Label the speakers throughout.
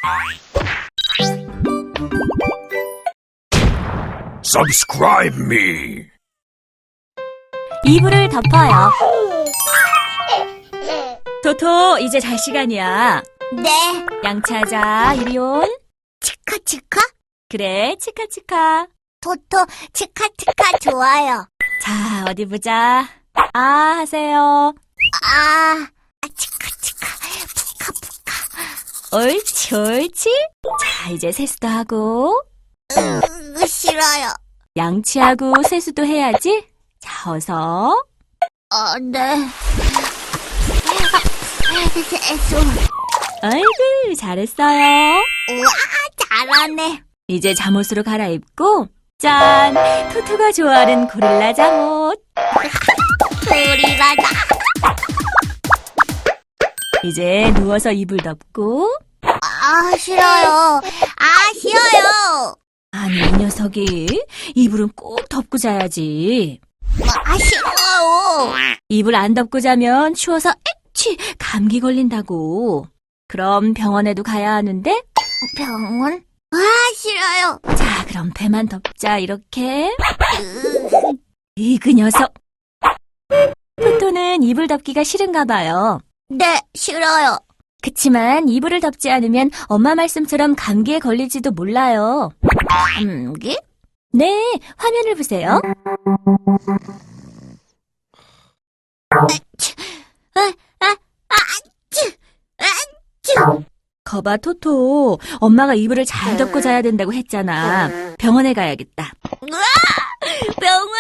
Speaker 1: Subscribe me.
Speaker 2: 이불을 덮어요. 토토, 이제 잘 시간이야.
Speaker 3: 네.
Speaker 2: 양치하자, 이리 온.
Speaker 3: 치카치카?
Speaker 2: 그래, 치카치카.
Speaker 3: 토토, 치카치카 좋아요.
Speaker 2: 자, 어디 보자. 아, 하세요.
Speaker 3: 치카치카, 푸카푸카.
Speaker 2: 옳지, 옳지. 자, 이제 세수도 하고,
Speaker 3: 싫어요.
Speaker 2: 양치하고 세수도 해야지. 자, 어서.
Speaker 3: 네. 세수.
Speaker 2: 아이고, 잘했어요.
Speaker 3: 우와, 잘하네.
Speaker 2: 이제 잠옷으로 갈아입고, 짠! 토토가 좋아하는 고릴라 잠옷.
Speaker 3: 소리라다.
Speaker 2: 이제 누워서 이불 덮고,
Speaker 3: 싫어요. 싫어요.
Speaker 2: 아니, 이 녀석이 이불은 꼭 덮고 자야지.
Speaker 3: 싫어요.
Speaker 2: 이불 안 덮고 자면 추워서 액취 감기 걸린다고. 그럼 병원에도 가야 하는데?
Speaker 3: 병원? 싫어요.
Speaker 2: 자, 그럼 배만 덮자, 이렇게. 그 녀석. 토토는 이불 덮기가 싫은가 봐요.
Speaker 3: 네, 싫어요.
Speaker 2: 그치만 이불을 덮지 않으면 엄마 말씀처럼 감기에 걸릴지도 몰라요.
Speaker 3: 감기?
Speaker 2: 네, 화면을 보세요. 거봐, 토토. 엄마가 이불을 잘 덮고 자야 된다고 했잖아. 병원에 가야겠다.
Speaker 3: 병원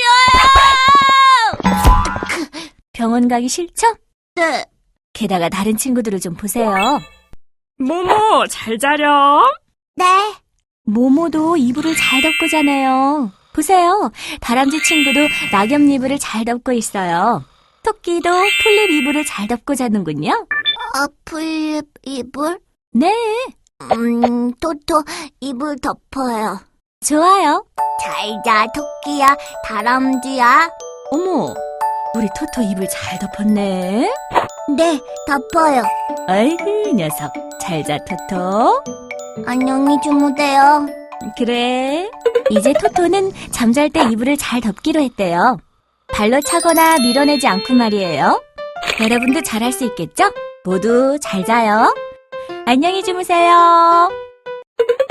Speaker 3: 싫어요.
Speaker 2: 병원 가기 싫죠?
Speaker 3: 네.
Speaker 2: 게다가 다른 친구들을 좀 보세요.
Speaker 4: 모모, 잘 자렴.
Speaker 3: 네.
Speaker 2: 모모도 이불을 잘 덮고 자네요. 보세요. 다람쥐 친구도 낙엽 이불을 잘 덮고 있어요. 토끼도 풀잎 이불을 잘 덮고 자는군요.
Speaker 3: 풀립 이불?
Speaker 2: 네,
Speaker 3: 토토 이불 덮어요.
Speaker 2: 좋아요.
Speaker 3: 잘 자, 토끼야, 다람쥐야.
Speaker 2: 어머, 우리 토토 이불 잘 덮었네.
Speaker 3: 네, 덮어요.
Speaker 2: 아이고, 녀석. 잘 자, 토토.
Speaker 3: 안녕히 주무세요.
Speaker 2: 그래. 이제 토토는 잠잘 때 이불을 잘 덮기로 했대요. 발로 차거나 밀어내지 않고 말이에요. 여러분도 잘할 수 있겠죠? 모두 잘 자요. 안녕히 주무세요.